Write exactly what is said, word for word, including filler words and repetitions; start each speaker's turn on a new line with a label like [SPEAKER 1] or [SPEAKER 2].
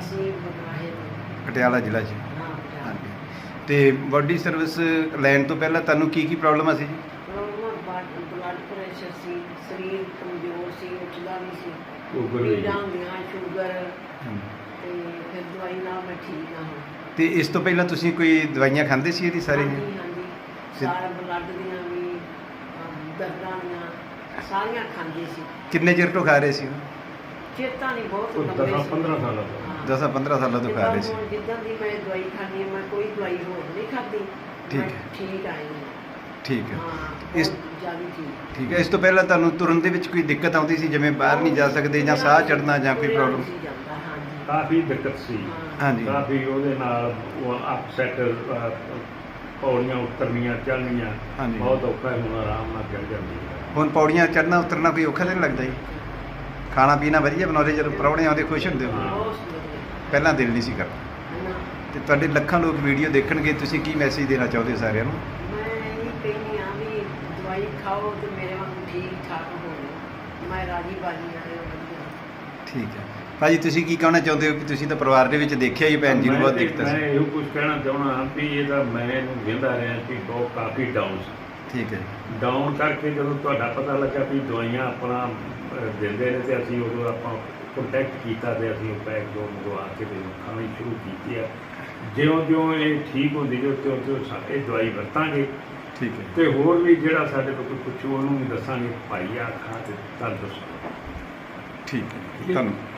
[SPEAKER 1] ਅਸੀਂ ਬਗਵਾਹੇ ਤੋਂ
[SPEAKER 2] ਪਟਿਆਲਾ ਜ਼ਿਲ੍ਹਾ 'ਚ।
[SPEAKER 1] ਹਾਂ ਪਟਿਆਲਾ।
[SPEAKER 2] ਹਾਂਜੀ। ਤੇ ਬਾਡੀ ਸਰਵਿਸ ਲੈਣ ਤੋਂ ਪਹਿਲਾਂ ਤੁਹਾਨੂੰ ਕੀ ਕੀ ਪ੍ਰੋਬਲਮਾਂ ਸੀ ਜੀ?
[SPEAKER 1] ਪ੍ਰੋਬਲਮ ਬਲੱਡ ਪ੍ਰੈਸ਼ਰ ਸੀ, ਸਰੀਰ ਕਮਜ਼ੋਰ ਸੀ, ਉੱਠਦਾ ਨਹੀਂ ਸੀ,
[SPEAKER 3] ਸ਼ੂਗਰ ਵੀ
[SPEAKER 1] ਪੀੜਾਂ ਹੁੰਦੀਆਂ, ਸ਼ੂਗਰ,
[SPEAKER 2] ਹਾਂਜੀ।
[SPEAKER 1] ਤੇ ਫਿਰ ਦਵਾਈ ਨਾਲ ਮੈਂ ਠੀਕ ਨਾ ਹੋਈ।
[SPEAKER 2] ਤੇ ਇਸ ਤੋਂ ਪਹਿਲਾਂ ਤੁਸੀਂ ਕੋਈ ਦਵਾਈਆਂ ਖਾਂਦੇ ਸੀ ਇਹਦੀ ਸਾਰੀ?
[SPEAKER 1] ਹਾਂਜੀ ਹਾਂਜੀ, ਸਾਰਾ ਬਲੱਡ ਦੀਆਂ ਵੀ ਅਮ, ਦਰਦਾਂ ਦੀਆਂ ਸਾਰੀਆਂ ਖਾਂਦੀ ਸੀ।
[SPEAKER 2] ਕਿੰਨੇ ਚਿਰ ਤੋਂ ਖਾ ਰਹੇ ਸੀ?
[SPEAKER 1] ਚੇਤਾ ਨਹੀਂ, ਬਹੁਤ
[SPEAKER 3] ਉਹ
[SPEAKER 1] ਲੰਬੇ
[SPEAKER 3] ਦਸਾਂ
[SPEAKER 1] ਸੀ।
[SPEAKER 3] ਪੰਦਰਾਂ ਸਾਲਾਂ ਤੋਂ।
[SPEAKER 1] ਹਾਂ।
[SPEAKER 2] ਦਸਾਂ ਪੰਦਰਾਂ ਸਾਲਾਂ ਤੋਂ ਖਾ ਰਹੇ ਸੀ।
[SPEAKER 1] ਜਿੱਦਾਂ ਹੁਣ ਜਿੱਦਾਂ ਦੀ ਮੈਂ ਦਵਾਈ ਖਾਂਦੀ ਹਾਂ, ਮੈਂ ਕੋਈ ਦਵਾਈ ਹੋਰ ਨਹੀਂ ਖਾਧੀ।
[SPEAKER 2] ਠੀਕ
[SPEAKER 1] ਮੈਂ
[SPEAKER 2] ਹੈ।
[SPEAKER 1] ਠੀਕ ਆਈ ਹਾਂ।
[SPEAKER 2] ਠੀਕ ਹੈ।
[SPEAKER 1] ਹਾਂ,
[SPEAKER 2] ਇਸ
[SPEAKER 1] ਬਹੁਤ ਜ਼ਿਆਦਾ ਠੀਕ।
[SPEAKER 2] ਠੀਕ ਹੈ। ਇਸ ਤੋਂ ਪਹਿਲਾਂ ਤੁਹਾਨੂੰ ਤੁਰਨ ਦੇ ਵਿੱਚ ਕੋਈ ਦਿੱਕਤ ਆਉਂਦੀ ਸੀ, ਜਿਵੇਂ ਬਾਹਰ ਨਹੀਂ ਜਾ ਸਕਦੇ ਜਾਂ ਸਾਹ ਚੜ੍ਹਨਾ ਜਾਂ ਕੋਈ
[SPEAKER 1] ਤੁਰਿਆ
[SPEAKER 2] ਪ੍ਰੋਬਲਮ?
[SPEAKER 1] ਨਹੀਂ ਸੀ ਜਾਂਦਾ, ਹਾਂਜੀ।
[SPEAKER 3] ਕਾਫੀ ਦਿੱਕਤ ਸੀ,
[SPEAKER 1] ਹਾਂ।
[SPEAKER 2] ਹਾਂਜੀ।
[SPEAKER 3] ਕਾਫੀ ਉਹਦੇ ਨਾਲ ਉਹ ਅਪਸੈਟ, ਪੌੜੀਆਂ ਉਤਰਨੀਆਂ ਚੜ੍ਹਨੀਆਂ
[SPEAKER 2] ਹਾਂਜੀ।
[SPEAKER 3] ਬਹੁਤ ਔਖਾ ਹੈ। ਹੁਣ ਆਰਾਮ ਨਾਲ ਚੜ੍ਹ ਜਾਂਦੀ ਹੈ।
[SPEAKER 2] ਹੁਣ ਪੌੜੀਆਂ ਚੜ੍ਹਨਾ ਉਤਰਨਾ ਕੋਈ ਔਖਾ ਤਾਂ ਨਹੀਂ ਲੱਗਦਾ ਜੀ? ਖਾਣਾ ਪੀਣਾ ਵਧੀਆ ਬਣਾਉਂਦੇ, ਜਦੋਂ ਪ੍ਰਾਹੁਣੇ ਆਉਂਦੇ ਖੁਸ਼ ਹੁੰਦੇ ਹੋ?
[SPEAKER 1] ਬਹੁਤ ਵਧੀਆ।
[SPEAKER 2] ਪਹਿਲਾਂ ਦਿਲ ਨਹੀਂ ਸੀ ਕਰਦਾ।
[SPEAKER 1] ਨਾ,
[SPEAKER 2] ਤੇ ਤੁਹਾਡੇ ਲੱਖਾਂ ਲੋਕ ਵੀਡੀਓ ਦੇਖਣਗੇ, ਤੁਸੀਂ ਕੀ ਮੈਸੇਜ ਦੇਣਾ ਚਾਹੁੰਦੇ ਹੋ ਸਾਰਿਆਂ ਨੂੰ?
[SPEAKER 1] ਮੈਂ ਇਹ ਕਹਿੰਦੀ ਹਾਂ ਵੀ ਦਵਾਈ ਖਾਓ ਤੇ ਮੇਰੇ ਵਾਂਗੂ ਠੀਕ ਠਾਕ ਹੋਵੇ। ਮੈਂ ਰਾਜੀ ਬਾਜੀ ਆਏ ਵਧੀਆ।
[SPEAKER 2] ਠੀਕ ਹੈ ਭਾਜੀ, ਤੁਸੀਂ ਕੀ ਕਹਿਣਾ ਚਾਹੁੰਦੇ ਹੋ ਕਿ ਤੁਸੀਂ ਤਾਂ ਪਰਿਵਾਰ ਦੇ ਵਿੱਚ ਦੇਖਿਆ ਹੀ ਭੈਣ ਜੀ ਨੂੰ ਬਹੁਤ
[SPEAKER 3] ਮੈਂ
[SPEAKER 2] ਦਿੱਕਤ
[SPEAKER 3] ਮੈਂ
[SPEAKER 2] ਸੀ?
[SPEAKER 3] ਇਹੋ ਕੁਝ ਕਹਿਣਾ ਚਾਹੁੰਦਾ ਹਾਂ ਵੀ ਇਹਦਾ ਮੈਂ ਇਹਨੂੰ ਕਹਿੰਦਾ ਰਿਹਾ ਕਿ ਬਹੁਤ ਕਾਫੀ ਡਾਊਨ ਸੀ।
[SPEAKER 2] ਠੀਕ ਹੈ।
[SPEAKER 3] ਡਾਊਨ ਕਰਕੇ ਜਦੋਂ ਤੁਹਾਡਾ ਪਤਾ ਲੱਗਾ ਵੀ ਦਵਾਈਆਂ ਆਪਣਾ ਅਹ, ਦਿੰਦੇ ਨੇ ਤੇ ਅਸੀਂ ਉਦੋਂ ਆਪਾਂ ਕੰਟੈਕਟ ਕੀਤਾ ਤੇ ਅਸੀਂ ਉਹ ਪੈਕ ਜੋ ਮੰਗਵਾ ਕੇ ਤੇ ਖਾਣੀ ਸ਼ੁਰੂ ਕੀਤੀ ਆ। ਜਿਉਂ ਜਿਉਂ ਇਹ ਠੀਕ ਹੁੰਦੀ ਜੋ ਤਿਉਂ ਤਿਉਂ ਸਾਡੇ ਦਵਾਈ ਵਰਤਾਂਗੇ
[SPEAKER 2] ਠੀਕ ਹੈ।
[SPEAKER 3] ਤੇ ਹੋਰ ਵੀ ਜਿਹੜਾ ਸਾਡੇ ਤੋਂ ਕੋਈ ਪੁੱਛੂ ਉਹਨੂੰ ਵੀ ਦੱਸਾਂਗੇ ਭਾਈ ਆ ਖਾ ਤੇ ਤਾਂ ਦੱਸੋ।
[SPEAKER 2] ਠੀਕ ਹੈ, ਧੰਨਵਾਦ।